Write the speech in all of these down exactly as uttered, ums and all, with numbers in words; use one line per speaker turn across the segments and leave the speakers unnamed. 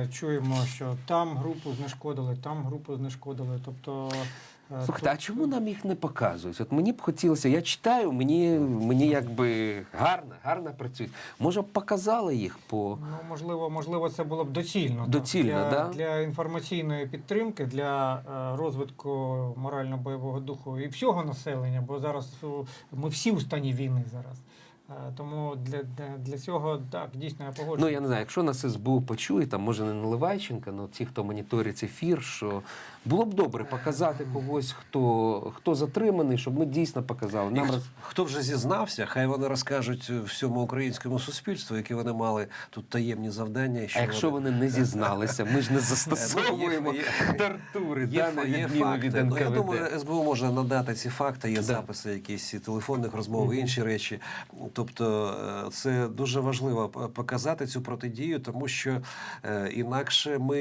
чуємо, що там групу знешкодили, там групу знешкодили. Тобто, е,
Слухайте, а
тут-
чому нам їх не показують? От мені б хотілося, я читаю, мені, мені якби гарно, гарно працюють. Може б показали їх по...
Ну, можливо, можливо, це було б доцільно. так.
Доцільно,
для,
да?
для інформаційної підтримки, для е, розвитку морально-бойового духу і всього населення, бо зараз о, ми всі у стані війни зараз. Е, тому для, для, для цього, так, дійсно, я погоджуюся.
Ну, я не знаю, якщо нас ес бе у почує, там, може, не Наливайченка, але ті, хто моніторить ефір, що було б добре показати когось, хто, хто затриманий, щоб ми дійсно показали. Нам
І
роз...
хто вже зізнався, хай вони розкажуть всьому українському суспільству, які вони мали тут таємні завдання. і що
А якщо вони не зізналися, ми ж не застосовуємо
Є-
тортури,
Є,
да, на
є
відміну
факти.
від
Ну, я
ен ка ве де.
думаю, ес бе у може надати ці факти, є
Да.
записи якісь і телефонних розмов, і інші речі. Тобто е, це дуже важливо п- показати цю протидію, тому що е, інакше ми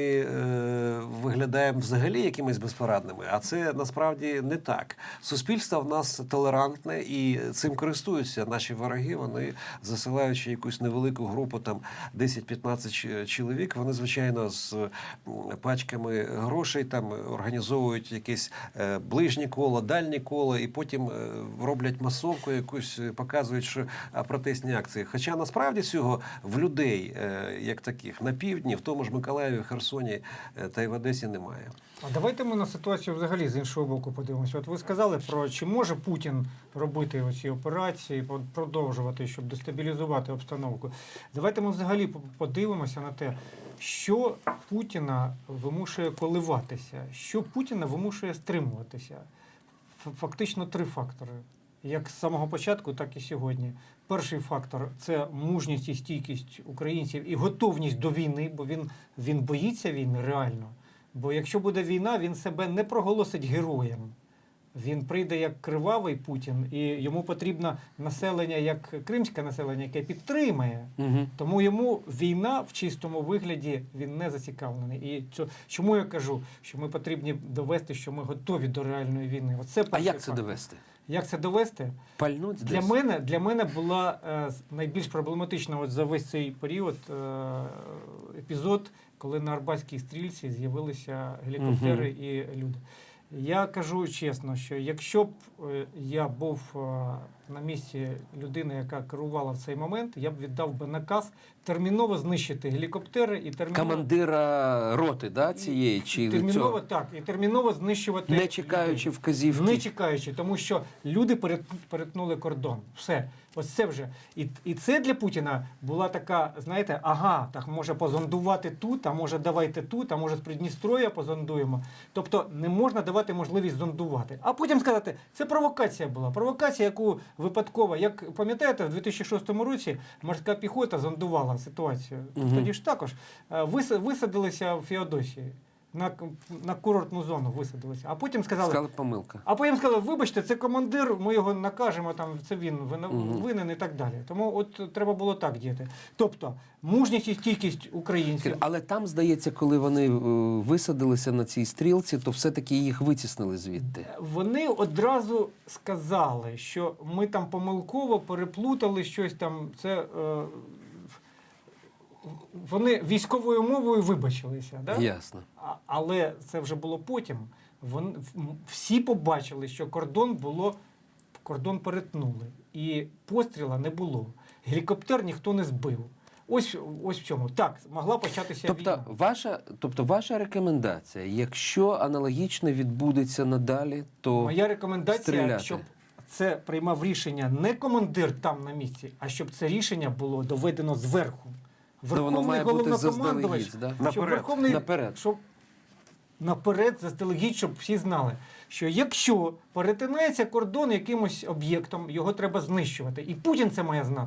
е, виглядаємо взагалі якимись безпорадними, а це насправді не так. Суспільство в нас толерантне і цим користуються наші вороги. Вони, засилаючи якусь невелику групу, там десять-п'ятнадцять ч- чоловік, вони, звичайно, з м, пачками грошей там організовують якесь е, ближнє коло, дальнє коло, і потім е, роблять масовку якусь, е, показують, що а, протестні акції. Хоча насправді цього в людей, е, як таких, на півдні, в тому ж Миколаєві, Херсоні е, та й в Одесі немає.
А давайте ми на ситуацію взагалі з іншого боку подивимося. От ви сказали про чи може Путін робити оці операції, по- продовжувати, щоб дестабілізувати обстановку. Давайте ми взагалі по- подивимося на те, що Путіна вимушує коливатися, що Путіна вимушує стримуватися. Ф- Фактично три фактори. Як з самого початку, так і сьогодні. Перший фактор – це мужність і стійкість українців і готовність до війни, бо він, він боїться війни реально. Бо якщо буде війна, він себе не проголосить героєм. Він прийде як кривавий Путін, і йому потрібно населення, як кримське населення, яке підтримає.
Угу.
Тому йому війна в чистому вигляді, він не зацікавлений. І цьо- чому я кажу, що ми потрібні довести, що ми готові до реальної війни. Оце
А
перший
як це
фактор.
довести?
Як це довести?
Пальнуть
Для
десь?
мене, для мене була е, найбільш проблематична от за весь цей період е, епізод, коли на Арбатській стрільці з'явилися гелікоптери
Мгм.
і люди. Я кажу чесно, що якщо б е, я був е, на місці людини, яка керувала в цей момент, я б віддав би наказ терміново знищити гелікоптери і терміново,
Командира роти, да, цієї, чи
терміново
цього?
так, і терміново знищувати
Не чекаючи
людей.
вказівки?
Не чекаючи, тому що люди перет- перетнули кордон. Все. Ось це вже. І, і це для Путіна була така, знаєте, ага, так може позондувати тут, а може давайте тут, а може з Придністров'я позондуємо. Тобто не можна давати можливість зондувати. А потім сказати, це провокація була. Провокація, яку випадково, як пам'ятаєте, в дві тисячі шостому році морська піхота зондувала ситуацію.
Мгм.
Тоді ж також е, вис- висадилися в Феодосії. На, на курортну зону висадилися. А потім сказали,
Сказали, помилка.
а потім сказали, вибачте, це командир, ми його накажемо, там це він вина-
Мгм.
винен і так далі. Тому от треба було так діяти. Тобто, мужність і стійкість українців.
Але там, здається, коли вони е, висадилися на цій стрілці, то все-таки їх витіснили звідти.
Вони одразу сказали, що ми там помилково переплутали щось там. Це е, вони військовою мовою вибачилися. Да?
Ясно.
А- Але це вже було потім. Вон, в- всі побачили, що кордон було, кордон перетнули. І постріла не було. Гелікоптер ніхто не збив. Ось, ось в чому. Так, могла початися
Тобто
війна.
ваша, тобто ваша рекомендація, якщо аналогічно відбудеться надалі, то
Моя рекомендація,
стріляти.
щоб це приймав рішення не командир там на місці, а щоб це рішення було доведено зверху.
Ну, воно
Верховний
має бути
головнокомандувач,
заздалегідь, да?
щоб
Наперед.
Верховний,
Наперед.
щоб наперед заздалегідь, щоб всі знали, що якщо перетинається кордон якимось об'єктом, його треба знищувати. І Путін це має знати.